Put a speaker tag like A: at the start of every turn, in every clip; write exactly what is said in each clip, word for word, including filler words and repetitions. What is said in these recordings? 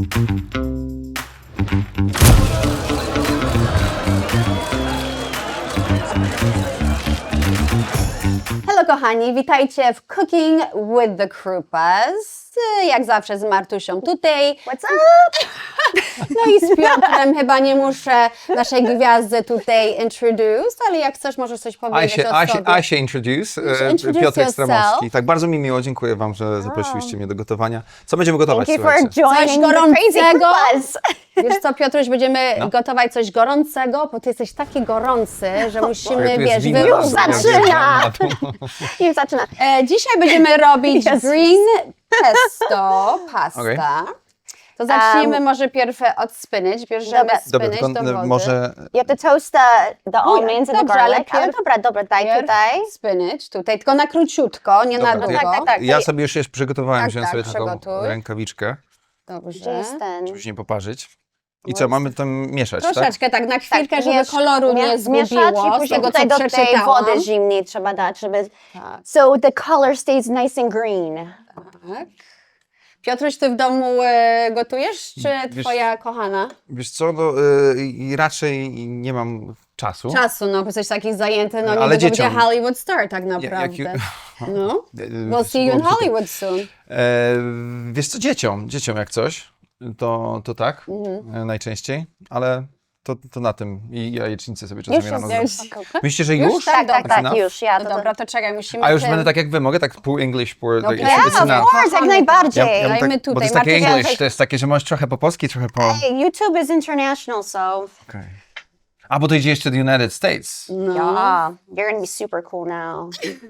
A: Hello kochani, witajcie w Cooking with the Krupas. Jak zawsze z Martusią tutaj.
B: What's up?
A: No i z Piotrem chyba nie muszę naszej gwiazdy tutaj introduce, ale jak chcesz, możesz coś
C: I
A: powiedzieć
C: się,
A: o
C: I się,
A: sobie.
C: I się introduce,
A: You should
C: e,
A: introduce
C: Piotrek
A: yourself.
C: Stramowski. Tak, bardzo mi miło, dziękuję wam, że zaprosiliście mnie do gotowania. Co będziemy gotować,
B: Thank you for
C: słuchajcie?
B: joining the Crazy
A: gorącego.
B: Krupas.
A: Wiesz co, Piotruś, będziemy
C: No.
A: gotować coś gorącego, bo ty jesteś taki gorący, że musimy,
C: Tu jest
A: wiesz,
C: wino,
A: wyrównać.
C: ja
B: zaczyna.
C: wjeżdżam na to.
B: Już zaczyna.
A: E, dzisiaj będziemy robić
B: Jezus.
A: green pesto, pasta.
C: Okej.
A: To zacznijmy
B: Um,
A: może pierw od spinach. Bierzemy
B: Dobra.
C: Dobra,
A: spinach
C: tylko
A: do
C: e,
A: wody.
C: może...
B: You have to toast the, the onions and the
A: dobrze, ale
B: garlic. Ale
A: pierw-
B: dobra, dobra, daj
A: Pierw
B: tutaj.
A: spinach tutaj, tylko na króciutko, nie
C: Dobra,
A: na
C: to
A: długo.
C: ja,
B: tak, tak.
C: ja sobie już jest przygotowałem,
A: Tak,
C: wziąłem
A: tak,
C: sobie taką
A: przygotuj.
C: rękawiczkę,
B: Gdzie
A: Dobrze.
B: jest ten?
C: żeby się nie poparzyć. I co, mamy tam mieszać, tak?
A: Troszeczkę tak na chwilkę,
B: Tak,
A: żeby
B: miesz-
A: koloru nie
B: mie-
A: zgubiło,
B: Mieszać i
A: z
B: później
A: tego,
B: tutaj
A: co
B: do tej
A: przeczytałam.
B: wody zimnej trzeba dać, żeby...
A: Tak.
B: So the color stays nice and green.
A: Tak. Piotruś, ty w domu e, gotujesz, czy
C: Wiesz-
A: twoja kochana?
C: Wiesz co, no y, i raczej nie mam czasu.
A: Czasu, no, bo jesteś taki zajęty, no
C: Ale
A: niedługo będzie
C: dzieciom.
A: Hollywood Star tak
C: Ja- jak
A: naprawdę.
C: ju-
A: No.
C: E,
A: We'll see you in
C: było-
A: Hollywood soon.
C: E, wiesz co, dzieciom, dzieciom jak coś, to, to tak,
A: Mhm.
C: e, najczęściej, ale to, to na tym i jajecznicę sobie czasami
B: Już
C: rano
B: jest,
C: zrobię.
B: już.
C: Myślicie, że
A: Już?
C: już?
A: Tak,
B: Tak, tak,
A: dobra.
B: tak,
C: Enough?
B: już. Ja
A: No
B: to,
A: dobra, to czekaj, musimy
C: A już
A: tym-
C: będę tak jak wy, mogę tak pół English, pół...
A: No
C: it's,
A: yeah,
C: it's
A: of
C: enough.
B: course, jak
A: Kochamy.
B: najbardziej.
C: Ja, ja bym
A: Dajmy
C: tak, bo
A: tutaj,
C: to jest takie
A: Martysia,
C: English,
A: że-
C: to jest takie, że możesz trochę po polski, trochę po...
B: Hey, YouTube is international, so...
C: Okay. A, bo to idzie jeszcze do United States.
A: No.
B: Yeah, you're gonna be super cool now.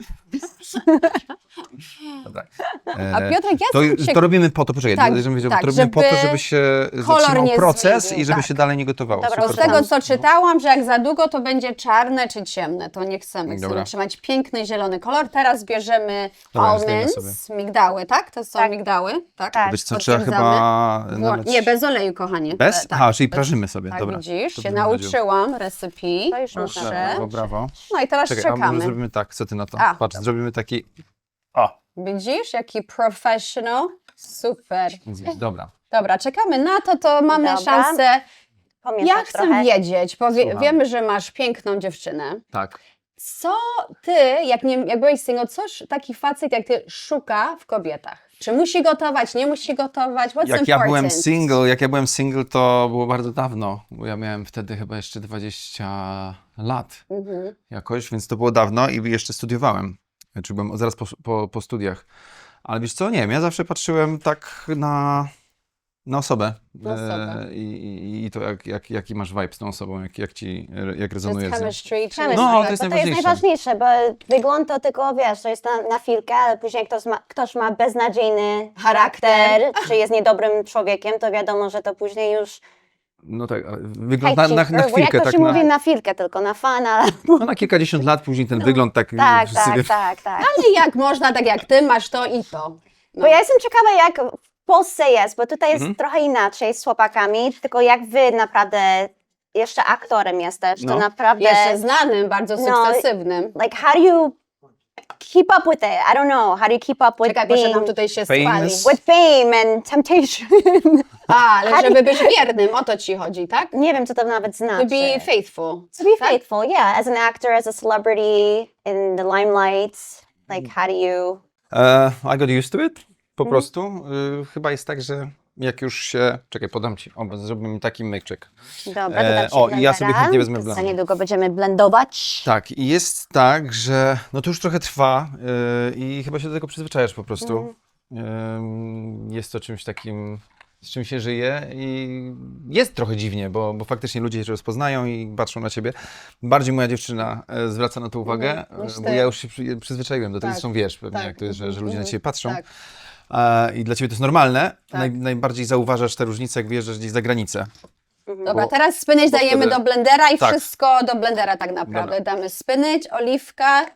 C: Dobra.
A: A
C: E,
A: Piotrek, ja
C: to,
A: jestem ciek-
C: to robimy po to, poczekaj,
A: Tak,
C: to, żebym wiedział,
A: tak,
C: to robimy po to,
A: żeby
C: żeby się
A: kolor
C: zatrzymał
A: nie
C: proces
A: zmienił,
C: i żeby
A: tak.
C: się dalej nie gotowało.
B: Dobra,
C: Super.
A: Z tego, co czytałam, że jak za długo, to będzie czarne czy ciemne. To nie chcemy. Chcemy
C: Dobra.
A: trzymać piękny, zielony kolor. Teraz bierzemy
C: Dobra, zdejmę
A: almonds, migdały, tak? To są
B: Tak.
A: migdały, tak?
B: Tak.
C: Wiesz co, trzeba
A: Potwierdzamy.
C: chyba...
A: Wło-
C: nalać-
A: Nie, bez oleju, kochanie.
C: Bez?
A: E, tak,
C: Aha, czyli
A: bez-
C: prażymy sobie,
A: Tak,
C: dobra.
A: widzisz,
C: To
A: się
C: bym powiedział.
A: nauczyłam recipe.
B: To już
A: Proszę.
B: można
C: Brawo, brawo.
A: No i teraz
C: Czekaj, a może
A: czekamy.
C: zrobimy tak, co ty na to?
A: A,
C: Patrz,
A: dobra.
C: zrobimy taki... O,
A: Widzisz, jaki professional? Super.
C: dobra.
A: Dobra, czekamy na to, to mamy
B: Dobra.
A: szansę.
B: Pomieszać
A: Ja chcę
B: trochę.
A: wiedzieć, bo wie,
C: Słucham.
A: wiemy, że masz piękną dziewczynę.
C: Tak.
A: Co ty, jak, nie, jak byłeś single, coś taki facet jak ty szuka w kobietach? Czy musi gotować, nie musi gotować? What's
C: Jak ja
A: important?
C: byłem single, jak ja byłem single, to było bardzo dawno, bo ja miałem wtedy chyba jeszcze dwadzieścia lat
A: Mhm.
C: jakoś, więc to było dawno i jeszcze studiowałem, czy byłem zaraz po, po, po studiach. Ale wiesz co, nie wiem, ja zawsze patrzyłem tak na, na osobę,
A: Na osobę.
C: E, i, i, i to jak, jak, jaki masz vibe z tą osobą, jak, jak ci, jak
A: Jest
C: rezonuje z nią.
A: chemistry, czy...
B: Chemistry,
C: No, to
B: bo
C: jest
B: to jest
C: najważniejsze.
B: najważniejsze, bo wygląd to tylko, wiesz, to jest na, na chwilkę, ale później ktoś ma, ktoś ma beznadziejny charakter, czy jest niedobrym człowiekiem, to wiadomo, że to później już...
C: No tak, ale wygląd na, na, na
B: Hejcik,
C: chwilkę,
B: jak to
C: tak
B: się
C: na,
B: mówi na chwilkę tylko, na fan, ale...
C: no, na kilkadziesiąt lat później ten wygląd tak...
B: Tak,
C: wszyscy
B: tak,
C: wie-
B: tak, tak.
A: Ale jak można, tak jak ty, masz to i to. No.
B: Bo ja jestem ciekawa, jak w Polsce jest, bo tutaj jest
C: Mhm.
B: trochę inaczej z chłopakami, tylko jak wy naprawdę jeszcze aktorem jesteś, to
C: No.
B: naprawdę...
A: Jeszcze znanym, bardzo
B: No,
A: sukcesywnym.
B: Like, how do you keep up with it? I don't know. How do you keep up with
A: Czekaj, proszę nam
B: being...
A: tutaj się
C: Famous.
A: spali.
B: with fame and temptation?
A: A, ale
B: How do
A: żeby być wiernym, o to ci chodzi, tak?
B: Nie wiem, co to nawet znaczy.
A: To be faithful.
B: To be
A: tak?
B: faithful, yeah. As an actor, as a celebrity, in the limelight, like, how do you...
C: E, I got used to it, po
B: Mhm.
C: prostu. Y, chyba jest tak, że jak już się... Czekaj, podam ci. O, zrobimy taki myczyk.
B: Dobra, to
C: E,
B: dam ci
C: o, i ja sobie
B: blendera.
C: chętnie wezmę
B: Za
C: blender.
B: niedługo będziemy blendować.
C: Tak, i jest tak, że no to już trochę trwa y, i chyba się do tego przyzwyczajasz po prostu.
B: Mhm.
C: Y, jest to czymś takim, z czym się żyje i jest trochę dziwnie, bo, bo faktycznie ludzie się rozpoznają i patrzą na ciebie. Bardziej moja dziewczyna e, zwraca na to uwagę,
A: Mhm, niż
C: e,
A: ty.
C: bo ja już się przy, przyzwyczaiłem do tego,
A: Tak,
C: zresztą wiesz pewnie
A: tak,
C: jak to jest, że, że ludzie
A: mhm,
C: na ciebie patrzą.
A: tak.
C: E, I dla ciebie to jest normalne.
A: Tak.
C: Naj, najbardziej zauważasz te różnice, jak wyjeżdżasz gdzieś za granicę.
A: Dobra,
C: Bo-
A: teraz spinach
C: bo
A: dajemy
C: wtedy-
A: do blendera i
C: Tak.
A: wszystko do blendera tak naprawdę. Damy spinach, oliwka.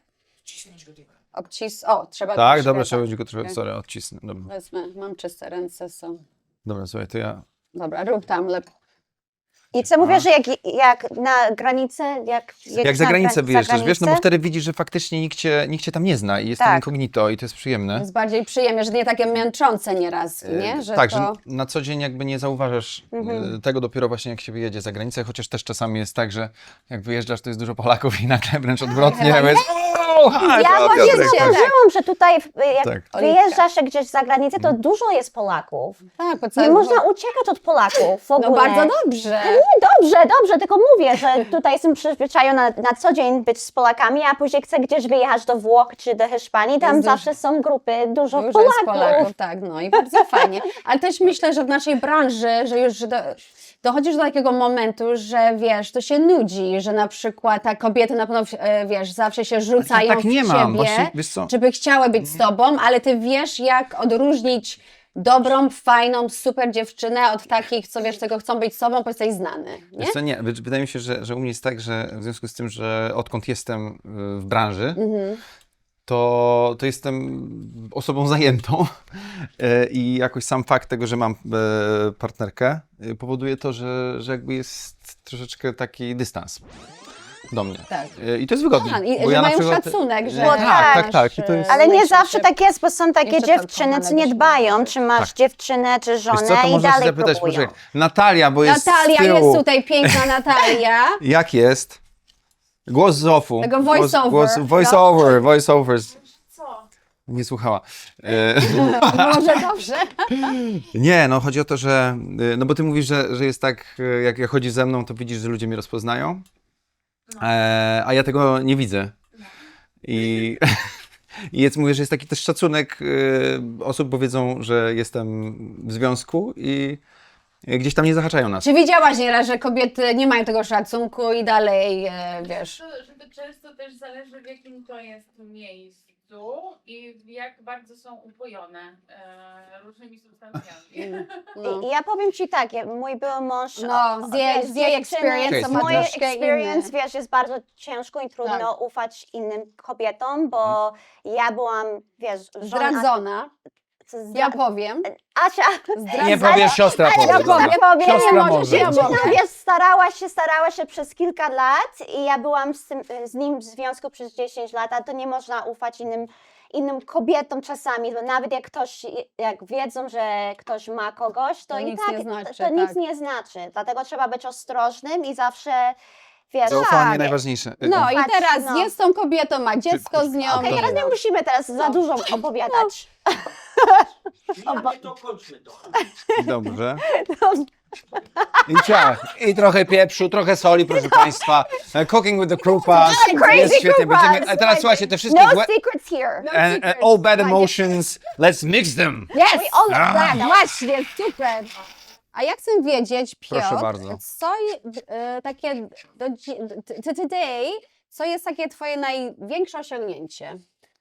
A: Obcis... O, trzeba
C: Tak,
A: troszkę,
C: dobra, trzeba będzie go trochę,
A: Okej.
C: sorry, odcisnę. Dobra,
A: Wezmę, mam czyste ręce, są.
C: dobra, słuchaj, to ja...
A: Dobra, rób tam lepiej.
B: I co mówię, że jak, jak na granicę, jak
C: Jak za granicę wyjeżdżasz, wiesz, no bo
B: granicę,
C: wtedy widzisz, że faktycznie nikt cię, nikt cię tam nie zna i jest
B: Tak.
C: tam incognito i to jest przyjemne.
A: Jest bardziej przyjemnie, że nie takie męczące nieraz, nie? Że
C: tak,
A: to...
C: że na co dzień jakby nie zauważasz
B: Mhm.
C: e, tego dopiero właśnie jak się wyjedzie za granicę, chociaż też czasami jest tak, że jak wyjeżdżasz, to jest dużo Polaków i nagle wręcz odwrotnie.
A: Chyba
C: bo jest, "O, hi,
B: Ja
C: to
B: właśnie
C: Piotrek".
B: zauważyłam, że tutaj w- jak
C: Tak.
B: wyjeżdżasz gdzieś za granicę, to dużo jest Polaków.
A: Tak, po
B: Nie
A: całym...
B: można uciekać od Polaków w ogóle.
A: No bardzo dobrze.
B: Nie, dobrze, dobrze, tylko mówię, że tutaj jestem przyzwyczajona na co dzień być z Polakami, a później chcę gdzieś wyjechać do Włoch czy do Hiszpanii, tam
A: Jest dużo-
B: zawsze są grupy, dużo,
A: Dużo
B: Polaków.
A: jest Polaków, tak, no i bardzo fajnie. Ale też myślę, że w naszej branży, że już do, dochodzisz do takiego momentu, że wiesz, to się nudzi, że na przykład ta kobiety na pewno, e, wiesz, zawsze się rzucają
C: tak
A: w
C: nie mam,
A: ciebie,
C: właśnie, wiesz co?
A: żeby chciały być z tobą, ale ty wiesz, jak odróżnić dobrą, fajną, super dziewczynę od takich, co wiesz, tego chcą być z sobą, bo jesteś znany, nie?
C: Wiesz co, nie, wy- wydaje mi się, że, że u mnie jest tak, że w związku z tym, że odkąd jestem y, w branży,
A: Mhm.
C: to, to jestem osobą zajętą e, i jakoś sam fakt tego, że mam e, partnerkę e, powoduje to, że, że jakby jest troszeczkę taki dystans do mnie.
A: Tak.
C: E, I to jest wygodnie.
A: A, i,
C: bo
A: że
C: ja na
A: mają
C: przykład-
A: szacunek, że...
B: Bo
C: tak, tak, tak. I to
A: masz,
C: jest...
B: Ale nie
A: relationship.
B: zawsze tak jest, bo są takie
A: Jeszcze
B: dziewczyny, co nie
A: kochanego
B: dbają, czy masz
C: Tak.
B: dziewczynę, czy
C: Wiesz
B: żonę
C: co, to
B: i
C: możesz
B: dalej
C: zapytać,
B: próbują.
C: poczekaj. Natalia, bo jest z
A: Natalia
C: tyłu.
A: jest tutaj, piękna Natalia.
C: Jak jest? Głos z ofu.
A: Tego
C: Głos,
A: voice-over.
C: głos, voice over, voice overs. Nie słuchała. E,
A: Może dobrze.
C: Nie, no chodzi o to, że, y, no bo ty mówisz, że, że jest tak, y, jak, jak chodzisz ze mną, to widzisz, że ludzie mnie rozpoznają, e, a ja tego nie widzę. I, i jest, mówię, że jest taki też szacunek y, osób, bo wiedzą, że jestem w związku i y, gdzieś tam nie zahaczają nas.
A: Czy widziałaś nieraz, że kobiety nie mają tego szacunku i dalej, e, wiesz...
D: To, że to często też zależy, w jakim to jest miejscu i jak bardzo są upojone e, różnymi substancjami.
A: No,
B: I ja powiem Ci tak, ja- mój były mąż...
A: no
B: o-
A: z jej,
B: wiesz,
A: z jej
B: dziewczyny,
A: experience
C: Cześć,
A: to ma
B: Moje
A: troszkę
B: experience,
A: inny.
B: wiesz, jest bardzo ciężko i trudno
A: Tak.
B: ufać innym kobietom, bo ja byłam, wiesz, żona...
A: Zdradzona,
B: zdra-
A: ja powiem.
B: Asia,
A: Zdradzona.
C: Nie powiesz, siostra powie.
A: Ja
C: dobra.
A: powiem,
B: powiem,
C: Siostra
A: nie możesz,
C: może.
A: ja
B: dziewczyna,
A: mogę.
B: wiesz, starała się, starała się przez kilka lat i ja byłam z, tym, z nim w związku przez dziesięć lat, a to nie można ufać innym, innym kobietom czasami, bo nawet jak ktoś, jak wiedzą, że ktoś ma kogoś, to,
A: To
B: i
A: nic
B: tak
A: nie znaczy,
B: to nic
A: tak.
B: nie znaczy, dlatego trzeba być ostrożnym i zawsze, wiesz...
C: Zaufanie
B: tak.
C: najważniejsze.
A: No i
B: Patrz,
A: teraz
B: no.
A: jest z tą kobietą, ma dziecko z nią.
B: Okej,
A: i-
B: teraz nie musimy teraz za dużo opowiadać.
E: Ja to kończmy to.
C: Dobrze. I ciach. I trochę pieprzu, trochę soli, proszę Państwa. E, Cooking with the Krupa.
B: Crazy
C: Jest świetnie.
B: Krupas,
C: Będziemy, a teraz
B: like,
C: słuchajcie, te wszystkie
B: No
C: błę-
B: secrets here.
A: No
C: and, and all bad emotions, let's mix them.
A: Yes,
B: all
C: Ah.
A: tak, właśnie, super. A ja chcę wiedzieć,
C: Proszę
A: Piotr,
C: bardzo.
A: co je- e, takie do, dzi- t- t- today, co jest takie twoje największe osiągnięcie?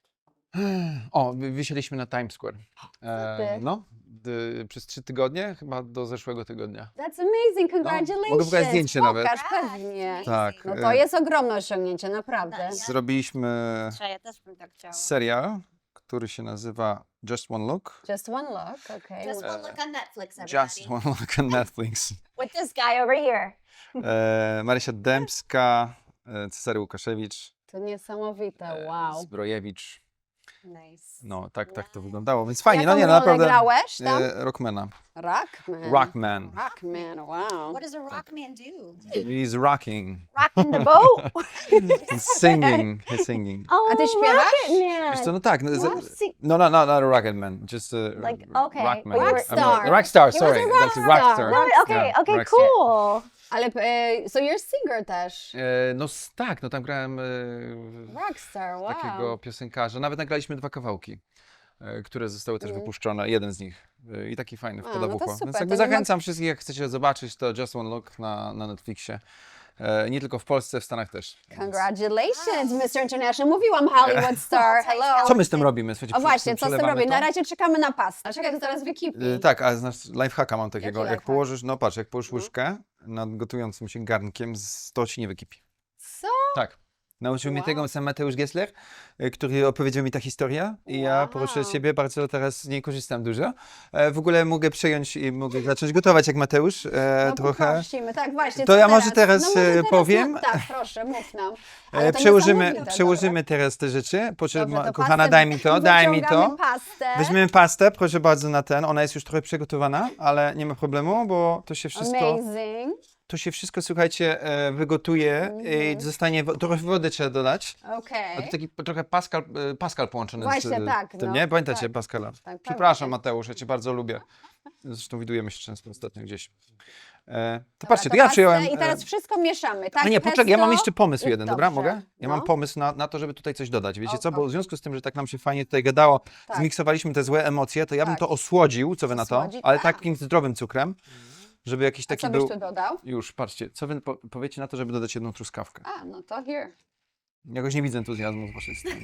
C: O, wy- wysiedliśmy na Times Square.
A: ty?
C: E, no, d- przez trzy tygodnie, chyba do zeszłego tygodnia.
A: That's amazing, congratulations.
C: mogę pokazać zdjęcie nawet.
A: Pokaż, pewnie.
C: Tak.
A: No to
C: e,
A: jest ogromne osiągnięcie, naprawdę.
C: Zrobiliśmy
B: Ja też bym tak chciała.
C: serial, który się nazywa Just One Look.
A: Just one look, okay.
B: Just one look on Netflix,
C: Just One Look on Netflix.
B: With this guy over here.
C: E, Marysia Dębska, e, Cezary Łukaszewicz,
A: To niesamowite,
C: e,
A: wow.
C: Zbrojewicz.
B: Nice.
C: No, tak, tak to wyglądało, więc fajnie,
A: Jaką
C: no nie, no
A: rolę
C: naprawdę.
A: grałeś tam?
C: E, Rockmana.
A: Rockman.
C: Rockman.
A: Rockman, wow.
B: What does a rock man do?
C: He's rocking.
B: Rocking the boat?
C: He's singing. He's singing.
B: Oh,
A: A ty śpiewasz?
B: Rocket
C: Wiesz co,
B: Man.
C: no tak. No, z-
B: What? Sing-
C: no, no, no, not a rocket man. Just a
B: Like,
C: r-
B: okay,
C: rockman.
B: but you were-
C: I mean,
A: Rockstar.
C: rockstar,
A: He was a
C: sorry. That's a
A: rockstar.
C: rockstar.
B: No, okay,
C: Yeah,
B: okay,
C: rockstar.
B: cool.
A: Ale, e, so you're singer też.
C: E, no s- tak, no tam grałem e,
A: Rockstar, wow.
C: takiego piosenkarza. Nawet nagraliśmy dwa kawałki, e, które zostały też wypuszczone. Jeden z nich. E, I taki fajny,
A: A,
C: wpada
A: no
C: w
A: to
C: ucho.
A: super,
C: Więc
A: to
C: jakby
A: nie ma-
C: zachęcam wszystkich, jak chcecie zobaczyć, to Just One Look na, na Netflixie. E, nie tylko w Polsce, w Stanach też. Więc-
A: Congratulations, mister International. Mówiłam Hollywood Star, hello.
C: Co my z tym robimy? Słuchajcie,
A: O
C: prze-
A: właśnie, co z tym
C: przelewamy
A: robię?
C: to?
A: Na razie czekamy na pastę. Czekaj, to teraz wykipi.
C: Y, tak, a znasz, lifehacka mam takiego.
A: Jaki
C: Jak
A: lifehack?
C: położysz, no patrz, jak położysz łyżkę nad gotującym się garnkiem, z- to ci nie wykipi.
A: Co?
C: Tak. Nauczył mnie
A: Wow.
C: tego sam Mateusz Gessler, y, który opowiedział mi ta historia i ja proszę
A: Wow.
C: ciebie, bardzo teraz z niej korzystam dużo. E, w ogóle mogę przejąć i mogę zacząć gotować jak Mateusz e,
A: No,
C: trochę.
A: poprosimy, tak właśnie.
C: To
A: co
C: ja może teraz,
A: No, może
C: e,
A: teraz
C: powiem.
A: No, tak, proszę, mów nam.
C: E,
A: Ale to
C: przełożymy
A: niesamowite,
C: przełożymy teraz te rzeczy. Proszę,
A: Dobrze,
C: ma-
A: to
C: kochana,
A: pastę
C: daj mi to, daj mi to.
A: wyciągamy pastę.
C: Weźmiemy pastę, proszę bardzo, na ten. Ona jest już trochę przygotowana, ale nie ma problemu, bo to się wszystko,
A: Amazing.
C: to się wszystko, słuchajcie, e, wygotuje i zostanie, wo- trochę wody trzeba dodać.
A: Okej.
C: A to taki po- trochę Pascal, e, Pascal połączony
A: Właśnie,
C: z e,
A: tak,
C: tym,
A: no,
C: nie? Pamiętacie
A: tak.
C: Pascala?
A: Tak,
C: Przepraszam,
A: pamiętam.
C: Mateusz, ja cię bardzo lubię. Zresztą widujemy się często ostatnio gdzieś. E, to
A: Dobra,
C: patrzcie,
A: to
C: to ja
A: pastę
C: przyjąłem...
A: I teraz
C: e,
A: wszystko mieszamy, tak?
C: A nie, poczekaj, ja mam
A: Pesto
C: jeszcze pomysł
A: i-
C: jeden, dobra?
A: dobrze,
C: Mogę? Ja
A: no.
C: mam pomysł na, na to, żeby tutaj coś dodać. Wiecie
A: O,
C: co? Bo
A: o.
C: w związku z tym, że tak nam się fajnie tutaj gadało,
A: Tak.
C: zmiksowaliśmy te złe emocje, to ja bym
A: Tak.
C: to osłodził, co wy na to?
A: Osłodzić?
C: Ale
A: Tak.
C: takim zdrowym cukrem, żeby jakiś
A: A
C: taki
A: co byś
C: był...
A: tu dodał?
C: Już, patrzcie, co wy po powiecie na to, żeby dodać jedną truskawkę?
A: A, no to here.
C: Jakoś nie widzę entuzjazmu z waszej strony.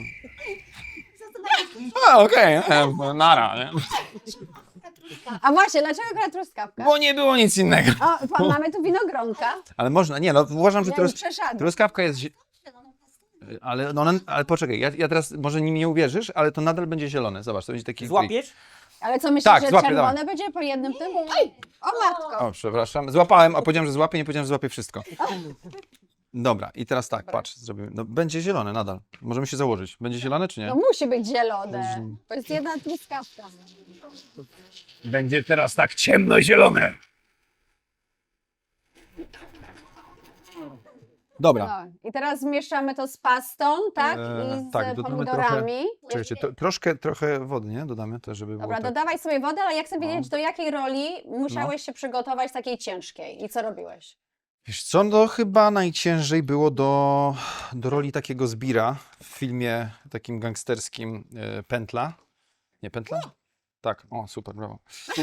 C: A, okej, okay. Nara, nie?
A: A właśnie, dlaczego akurat truskawka?
C: Bo nie było nic innego.
A: O, pan, mamy tu winogronka.
C: Ale można, nie, no uważam, że
A: Ja
C: trus
A: już przeszedłem.
C: truskawka jest... zie- Ale, no, ona- ale poczekaj, ja, ja teraz może nim nie uwierzysz, ale to nadal będzie zielone. Zobacz, to będzie taki...
E: Złapiesz?
A: Ale co myślisz,
C: Tak,
A: że
C: złapię,
A: czerwone
C: dawaj.
A: będzie po jednym tym? O matko.
C: O, przepraszam. Złapałem, a powiedziałem, że złapię, nie powiedziałem, że złapię wszystko. Dobra, i teraz tak, patrz, zrobimy. No, będzie zielone nadal. Możemy się założyć. Będzie zielone, czy nie?
A: No musi być zielone. To jest jedna truskawka.
C: Będzie teraz tak ciemno-zielone. Dobra.
A: No. I teraz zmieszamy to z pastą, tak?
C: Eee,
A: I z
C: tak, dodamy
A: pomidorami.
C: Czekajcie, to, troszkę, trochę wody, nie? Dodamy też, żeby
A: Dobra,
C: było tak.
A: dodawaj sobie wodę, ale ja chcę
C: No.
A: wiedzieć, do jakiej roli musiałeś się przygotować takiej ciężkiej i co robiłeś?
C: Wiesz co, no chyba najciężej było do, do roli takiego zbira w filmie takim gangsterskim e, Pętla. Nie, Pętla? Tak, o super, brawo.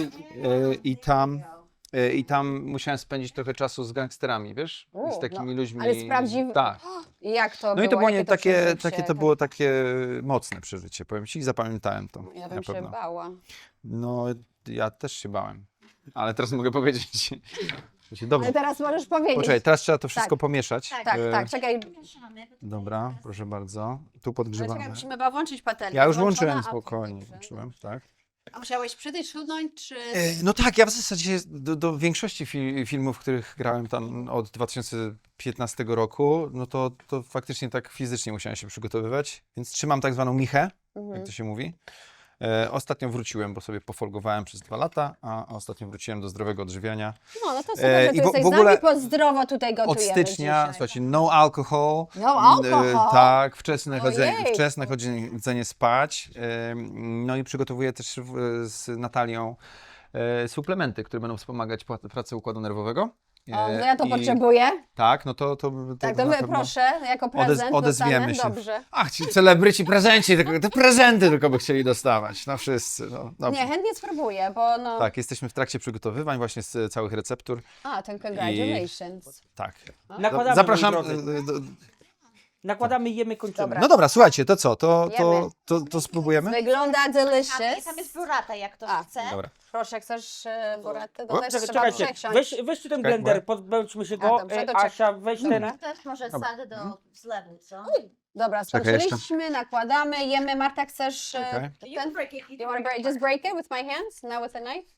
C: E, I tam... e, I tam musiałem spędzić trochę czasu z gangsterami, wiesz?
A: U,
C: z takimi
A: no,
C: ludźmi.
A: ale z prawdziw-
C: Tak.
A: I jak to
C: No
A: było?
C: i to było
A: Jakie
C: nie, takie,
A: przeżycie?
C: takie, to było takie mocne przeżycie, powiem ci, i zapamiętałem to.
A: Ja
C: na
A: bym się
C: pewno.
A: bała.
C: No, ja też się bałem. Ale teraz mogę powiedzieć. że się dobrze.
A: Ale teraz możesz powiedzieć.
C: Poczekaj, teraz trzeba to wszystko
A: Tak.
C: pomieszać.
B: Tak.
A: Tak,
C: E,
A: tak, czekaj.
C: Dobra, proszę bardzo. Tu
A: Ale
C: podgrzewamy.
A: czekaj, musimy chyba włączyć patelnię.
C: Ja już
A: Włączona,
C: włączyłem
A: a-
C: spokojnie,
A: dobrze.
C: włączyłem, tak.
A: A musiałeś przytyśnąć, czy...
C: E, No tak, ja w zasadzie do, do większości fi filmów, w których grałem tam od dwa tysiące piętnastego roku, no to, to faktycznie tak fizycznie musiałem się przygotowywać, więc trzymam tak zwaną michę,
A: Mhm.
C: jak to się mówi. E, ostatnio wróciłem, bo sobie pofolgowałem przez dwa lata, a ostatnio wróciłem do zdrowego odżywiania.
A: No, no to super,
C: E,
A: że
C: i
A: ty
C: w-
A: jesteś
C: w ogóle
A: z nami, bo zdrowo tutaj
C: Od
A: gotujemy
C: stycznia,
A: dzisiaj.
C: słuchajcie, no alcohol.
A: No
C: E,
A: alcohol?
C: tak, wczesne chodzenie,
A: Ojejku.
C: wczesne chodzenie spać. E, no i przygotowuję też w, z Natalią e, suplementy, które będą wspomagać pła- pracę układu nerwowego. E,
A: O, no ja to
C: i-
A: potrzebuję.
C: Tak, no to... to, to
A: Tak, to
C: na
A: wy,
C: pewno
A: proszę, jako prezent
C: odezwiemy
A: dostanę.
C: się.
A: Dobrze.
C: Ach, ci celebryci prezenci, tylko, te prezenty tylko by chcieli dostawać, no wszyscy. No, dobrze.
A: Nie, chętnie spróbuję, bo no...
C: Tak, jesteśmy w trakcie przygotowywań właśnie z e, całych receptur.
A: A, ten congratulations.
C: Tak.
E: Nakładamy,
C: Zapraszam.
E: moi drodzy.
C: e, do-
E: Nakładamy, jemy, kończymy.
A: Dobra.
C: No dobra, słuchajcie, to co? To, to,
A: Jemy.
C: to, to spróbujemy?
A: Wygląda
B: Tam,
A: delicious.
B: tam jest burrata, jak ktoś
A: A,
B: chce.
C: Dobra.
A: Proszę, jak chcesz e, buratę, to
C: O,
A: też
E: Czekaj,
A: trzeba
E: czekajcie,
A: przesiąść.
E: weź, weź tu ten
C: Czekaj,
E: blender,
C: bo-
E: podbędźmy się
A: A,
E: go.
A: dobrze,
E: E,
A: to czekaj.
E: Asia, weź ten.
B: Też może
C: Dobra.
B: sadzę do zlewu, co?
A: Dobra,
C: Czekaj, jeszcze.
A: skończyliśmy, nakładamy, jemy. Marta, chcesz e,
C: Czekaj.
A: ten? You want to break, just break it with my hands, not with a knife?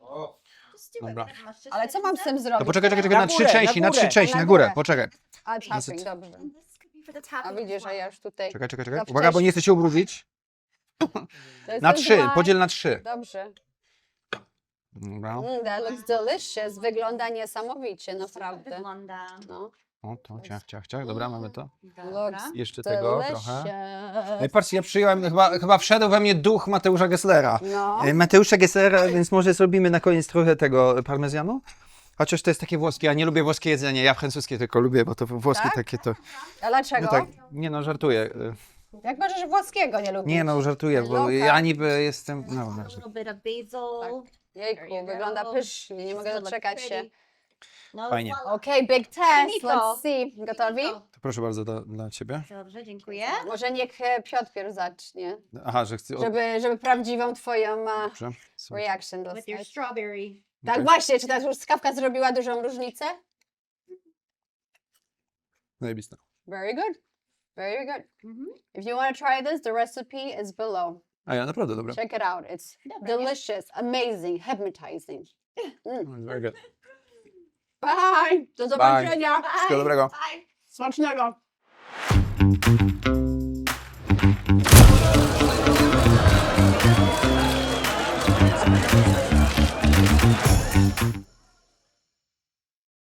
C: Dobra.
A: Ale co mam z tym zrobić?
C: To poczekaj, czekaj, czekaj,
E: Na
C: na trzy
E: górę,
C: części,
E: na
C: na trzy
E: górę.
C: części,
A: Na
C: na górę,
A: górę.
C: poczekaj.
A: A, tapping, dobrze. A
B: A
A: widzisz, że ja już tutaj...
C: Czekaj, czekaj, czekaj.
A: Za
C: Uwaga, bo nie chcę się ubrudzić.
A: To jest
C: Na
A: ten
C: trzy,
A: dry.
C: podziel na trzy.
A: Dobrze.
C: Dobra.
A: Mm, that looks delicious. Wygląda niesamowicie, naprawdę.
B: Wygląda.
A: No.
C: O, to ciach, ciach, ciach. Dobra, mamy to.
A: Looks
C: Jeszcze tego
A: delicious.
C: trochę. Ej, patrzcie, ja przyjąłem, chyba, chyba wszedł we mnie duch Mateusza Gesslera.
A: No.
C: E, Mateusza Gesslera, więc może zrobimy na koniec trochę tego parmezjanu? Chociaż to jest takie włoskie, ja nie lubię włoskie jedzenie, ja francuskie tylko lubię, bo to włoskie
A: Tak?
C: takie to...
A: A dlaczego?
C: No tak, nie no, żartuję. E,
A: Jak możesz włoskiego nie lubić?
C: Nie no, żartuję, bo
A: Loka.
C: ja niby jestem... No,
B: A
C: dobrze.
B: little bit of basil.
A: Jejku, wygląda pysznie, nie mogę
B: Does it look
A: doczekać się.
B: pretty? No,
C: Fajnie.
B: voila.
A: Okej, big test,
B: Finito.
A: let's see. Gotowi?
B: Finito.
C: To proszę bardzo dla, dla ciebie.
B: Dobrze, dziękuję.
A: Może niech e, Piotr pierw zacznie,
C: Aha, że chcę... o,
A: żeby, żeby prawdziwą twoją e,
C: Dobrze. Słuchaj.
A: reaction
B: With your
A: dostać.
B: strawberry.
A: Tak
C: Okej.
A: właśnie, czy ta truskawka zrobiła dużą różnicę?
C: Zajebiste.
A: Very good. Very good. If you want to try this, the recipe is below.
C: A ja naprawdę dobra.
A: Check it out. It's delicious, amazing, hypnotizing. Mm.
C: Very good.
A: Bye! Do zobaczenia!
C: Wszystkiego dobrego.
A: Smacznego!